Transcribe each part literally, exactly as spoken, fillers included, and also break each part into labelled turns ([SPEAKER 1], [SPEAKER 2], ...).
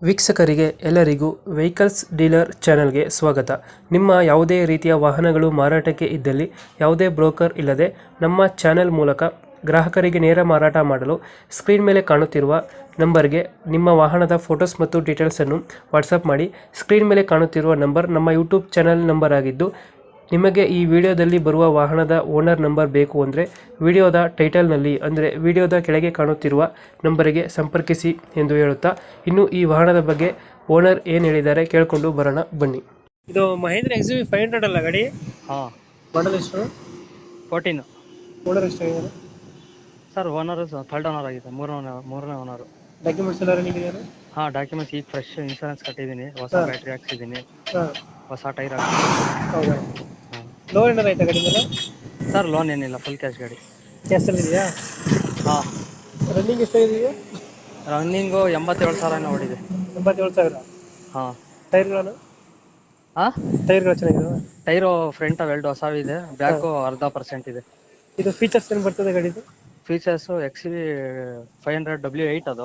[SPEAKER 1] ವೀಕ್ಷಕರಿಗೆ ಎಲ್ಲರಿಗೂ vehicles dealer ಚಾನೆಲ್ಗೆ ಸ್ವಾಗತ. ನಿಮ್ಮ ಯಾವುದೇ ರೀತಿಯ ವಾಹನಗಳು ಮಾರಾಟಕ್ಕೆ ಇದ್ದಲ್ಲಿ ಯಾವುದೇ ಬ್ರೋಕರ್ ಇಲ್ಲದೆ ನಮ್ಮ ಚಾನೆಲ್ ಮೂಲಕ ಗ್ರಾಹಕರಿಗೆ ನೇರ ಮಾರಾಟ ಮಾಡಲು ಸ್ಕ್ರೀನ್ ಮೇಲೆ ಕಾಣುತ್ತಿರುವ ನಂಬರ್ಗೆ ನಿಮ್ಮ ವಾಹನದ ಫೋಟೋಸ್ ಮತ್ತು ಡೀಟೇಲ್ಸನ್ನು ವಾಟ್ಸಪ್ ಮಾಡಿ. ಸ್ಕ್ರೀನ್ ಮೇಲೆ ಕಾಣುತ್ತಿರುವ ನಂಬರ್ ನಮ್ಮ ಯೂಟ್ಯೂಬ್ ಚಾನೆಲ್ ನಂಬರ್ ಆಗಿದ್ದು, ನಿಮಗೆ ಈ ವಿಡಿಯೋದಲ್ಲಿ ಬರುವ ವಾಹನದ ಓನರ್ ನಂಬರ್ ಬೇಕು ಅಂದರೆ ವಿಡಿಯೋದ ಟೈಟಲ್ನಲ್ಲಿ ಅಂದರೆ ವಿಡಿಯೋದ ಕೆಳಗೆ ಕಾಣುತ್ತಿರುವ ನಂಬರಿಗೆ ಸಂಪರ್ಕಿಸಿ ಎಂದು ಹೇಳುತ್ತಾ, ಇನ್ನು ಈ ವಾಹನದ ಬಗ್ಗೆ ಓನರ್ ಏನು ಹೇಳಿದ್ದಾರೆ ಕೇಳಿಕೊಂಡು ಬರೋಣ ಬನ್ನಿ. ಇದು Mahindra X V five hundred ಅಲ್ಲ ಗಾಡಿ?
[SPEAKER 2] ಹಾಂ,
[SPEAKER 1] ಮಾಡಲ್ ಎಷ್ಟು?
[SPEAKER 2] ಫೋರ್ಟೀನ್.
[SPEAKER 1] ಓನರ್ ಎಷ್ಟಾಗಿದ್ದಾರೆ
[SPEAKER 2] ಸರ್ ಓನರು ಥರ್ಡ್ ಓನರ್ ಆಗಿದೆ, ಮೂರನೇ ಮೂರನೇ ಓನರು.
[SPEAKER 1] ಡಾಕ್ಯುಮೆಂಟ್ಸ್ ಎಲ್ಲ ರನ್ನಿಂಗ್ ಇದೆಯಾ?
[SPEAKER 2] ಹಾಂ, ಡಾಕ್ಯುಮೆಂಟ್ಸ್ ಈಗ ಫ್ರೆಶ್ ಇನ್ಶೂರೆನ್ಸ್ ಕಟ್ಟಿದ್ದೀನಿ, ಹೊಸ
[SPEAKER 1] ಹಾಂ.
[SPEAKER 2] ಬ್ಯಾಟ್ರಿ ಹಾಕ್ಸಿದ್ದೀನಿ,
[SPEAKER 1] ಹಾಂ,
[SPEAKER 2] ಹೊಸ ಟೈರ್ ಹಾಕ್ಸಿದ್ದೀನಿ.
[SPEAKER 1] ಹೌದಾ?
[SPEAKER 2] ಹಾಂ
[SPEAKER 1] ಲೋನ್ ಏನಾರು ಆಯ್ತಾ ಗಾಡಿ ಮೇಲೆ?
[SPEAKER 2] ಸರ್, ಲೋನ್ ಏನಿಲ್ಲ, ಫುಲ್ ಕ್ಯಾಶ್ ಗಾಡಿ.
[SPEAKER 1] ಕ್ಯಾಶಲ್ಲಿ ಇದೆಯಾ?
[SPEAKER 2] ಹಾಂ,
[SPEAKER 1] ರನ್ನಿಂಗ್ ಎಷ್ಟಾಗಿದೆಯಾ?
[SPEAKER 2] ರನ್ನಿಂಗು ಎಂಬತ್ತೇಳು ಸಾವಿರ ಓಡಿದೆ.
[SPEAKER 1] ಎಂಬತ್ತೇಳು ಸಾವಿರ.
[SPEAKER 2] ಹಾಂ
[SPEAKER 1] ಟೈರ್ಗಳನ್ನು?
[SPEAKER 2] ಹಾಂ,
[SPEAKER 1] ಟೈರ್ಗಳು ಚೆನ್ನಾಗಿದಾವೆ?
[SPEAKER 2] ಟೈರು ಫ್ರಂಟ್ ಎರಡು ಹೊಸವಿದೆ, ಬ್ಯಾಕು ಅರ್ಧ ಪರ್ಸೆಂಟ್ ಇದೆ.
[SPEAKER 1] ಇದು ಫೀಚರ್ಸ್ ಏನು ಬರ್ತದೆ ಗಾಡಿದು?
[SPEAKER 2] Features X V five hundred W eight ಅದು.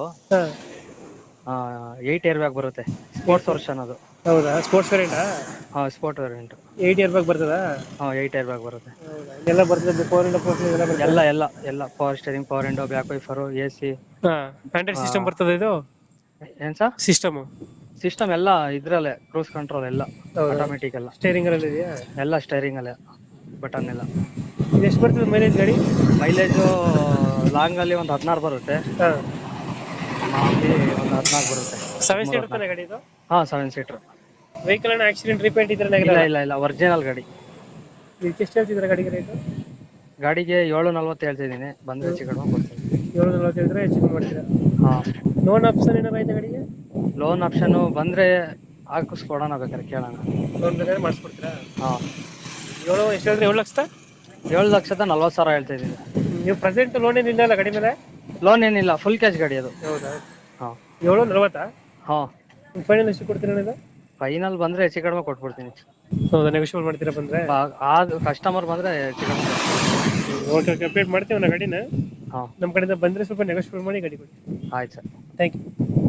[SPEAKER 1] ಹಾಂ,
[SPEAKER 2] ಏಯ್ಟ್ ಇಯರ್ ಬ್ಯಾಗ್ ಬರುತ್ತೆ, ಸ್ಪೋರ್ಟ್ಸ್ ವರ್ಷನ್ ಅದು.
[SPEAKER 1] ಹೌದಾ? ಸ್ಪೋರ್ಟ್ಸ್ ವೇರಿಯಂಟಾ?
[SPEAKER 2] ಹಾಂ, sport variant.
[SPEAKER 1] Eight airbag ಬರ್ತದಾ?
[SPEAKER 2] ಹಾಂ, ಏಯ್ಟ್ ಇಯರ್ ಬ್ಯಾಗ್ ಬರುತ್ತೆ.
[SPEAKER 1] ಹೌದಾ? ಇದೆಲ್ಲ ಬರ್ತದೆ, ಫೋರ್ ಇಂಡ ಫೋರ್ ಎಲ್ಲ ಬರ್ತದೆ?
[SPEAKER 2] ಎಲ್ಲ ಎಲ್ಲ ಎಲ್ಲ power steering, power window, back wiper, A C.
[SPEAKER 1] ಹಾಂ, ಆಂಡ್ರಾಯ್ಡ್ ಸಿಸ್ಟಮ್
[SPEAKER 2] ಹಾ.
[SPEAKER 1] ಬರ್ತದೆ ಇದು?
[SPEAKER 2] ಏನು ಸರ್?
[SPEAKER 1] ಸಿಸ್ಟಮು
[SPEAKER 2] ಸಿಸ್ಟಮ್ ಎಲ್ಲ ಇದ್ರಲ್ಲೇ, ಕ್ರೂಸ್ ಕಂಟ್ರೋಲ್ ಎಲ್ಲ
[SPEAKER 1] ಹೌದಾ?
[SPEAKER 2] ಆಟೋಮೆಟಿಕ್ ಎಲ್ಲ
[SPEAKER 1] ಸ್ಟೇರಿಂಗ್ ಅಲ್ಲಿ ಇದೆಯಾ?
[SPEAKER 2] ಎಲ್ಲ ಸ್ಟೈರಿಂಗ್ ಅಲ್ಲೇ, ಬಟನ್ ಎಲ್ಲ.
[SPEAKER 1] ಇದು ಎಷ್ಟು ಬರ್ತದೆ ಮೈಲೇಜ್ ಗಾಡಿ?
[SPEAKER 2] ಮೈಲೇಜು ಲಾಂಗಲ್ಲಿ ಒಂದು ಹದಿನಾರು ಬರುತ್ತೆ,
[SPEAKER 1] ಹಾಂ,
[SPEAKER 2] ಮಾಮೂಲಿ ಒಂದು ಹದಿನಾಲ್ಕು ಬರುತ್ತೆ.
[SPEAKER 1] ಸೆವೆನ್ ಸೀಟರ್ ತಾನೆ ಗಾಡಿ ಇದು?
[SPEAKER 2] ಹಾಂ, ಸೆವೆನ್ ಸೀಟ್ರ್.
[SPEAKER 1] ವೆಹಿಕಲ್ ಅನ್ನ ಆಕ್ಸಿಡೆಂಟ್ ರಿಪೇಂಟ್ ಇದ್ರೆ
[SPEAKER 2] ಇಲ್ಲ ಇಲ್ಲ ಇಲ್ಲ ಒರಿಜಿನಲ್ ಗಾಡಿ.
[SPEAKER 1] ಇದಕ್ಕೆ ಎಷ್ಟು ಹೇಳ್ತಿದ್ರೆ ಗಾಡಿಗೆ ರೇಟು?
[SPEAKER 2] ಗಾಡಿಗೆ ಏಳು ನಲ್ವತ್ತು ಹೇಳ್ತಿದ್ದೀನಿ, ಬಂದರೆ ಹೆಚ್ಚು ಕಡಿಮೆ ಕೊಡ್ತೀನಿ.
[SPEAKER 1] ಏಳು ನಲ್ವತ್ತು ಹೇಳಿದ್ರೆ ಹೆಚ್ಚು ಕಮ್ಮಿ ಮಾಡ್ತೀರಾ?
[SPEAKER 2] ಹಾಂ,
[SPEAKER 1] ಲೋನ್ ಆಪ್ಷನ್ ಏನಾರು ಆಯ್ತಾ ಗಾಡಿಗೆ?
[SPEAKER 2] ಲೋನ್ ಆಪ್ಷನು ಬಂದರೆ ಹಾಕಿಸ್ಕೊಡೋಣ, ಬೇಕಾದ್ರೆ ಕೇಳೋಣ.
[SPEAKER 1] ಲೋನ್ ಬೇಕಾದ್ರೆ ಮಾಡಿಸ್ಕೊಡ್ತೀರಾ?
[SPEAKER 2] ಹಾಂ,
[SPEAKER 1] ಏಳು ಎಷ್ಟು ಹೇಳಿದ್ರೆ ಏಳು ಲಕ್ಷ?
[SPEAKER 2] ಏಳು ಲಕ್ಷದ ನಲ್ವತ್ತು ಸಾವಿರ ಹೇಳ್ತಿದ್ದೀನಿ.
[SPEAKER 1] ನೀವು ಪ್ರೆಸೆಂಟ್ ಲೋನ್ ಏನಿಲ್ಲ ಅಲ್ಲ ಗಾಡಿ ಮೇಲೆ?
[SPEAKER 2] ಲೋನ್ ಏನಿಲ್ಲ, ಫುಲ್ ಕ್ಯಾಶ್ ಗಾಡಿ ಅದು.
[SPEAKER 1] ಹೌದಾ?
[SPEAKER 2] ಹಾಂ
[SPEAKER 1] ಏಳು ನಲ್ವತ್ತಾ?
[SPEAKER 2] ಹಾಂ,
[SPEAKER 1] ಫೈನಲ್ ಎಷ್ಟು ಕೊಡ್ತೀರಾ ಇದು?
[SPEAKER 2] ಫೈನಲ್ ಬಂದರೆ ಹೆಚ್ಚು ಕಡಿಮೆ ಕೊಟ್ಬಿಡ್ತೀನಿ.
[SPEAKER 1] ಹೌದಾ? ನೆಗೋಷಿಯಬಲ್ ಮಾಡ್ತೀರಾ ಬಂದರೆ?
[SPEAKER 2] ಅದು ಕಸ್ಟಮರ್ ಬಂದರೆ ಹೆಚ್ಚು ಕಡಿಮೆ ಕೊಡ್ತೀನಿ.
[SPEAKER 1] ಓಕೆ ಓಕೆ, ಅಪ್ಡೇಟ್ ಮಾಡ್ತೀವಿ ನಾ ಗಾಡಿನ.
[SPEAKER 2] ಹಾಂ,
[SPEAKER 1] ನಮ್ಮ ಕಡೆಯಿಂದ ಬಂದರೆ ಸ್ವಲ್ಪ ನೆಗೋಷಿಯಬಲ್ ಮಾಡಿ ಗಾಡಿ ಕೊಡಿ.
[SPEAKER 2] ಆಯ್ತು ಸರ್.
[SPEAKER 1] Thank you.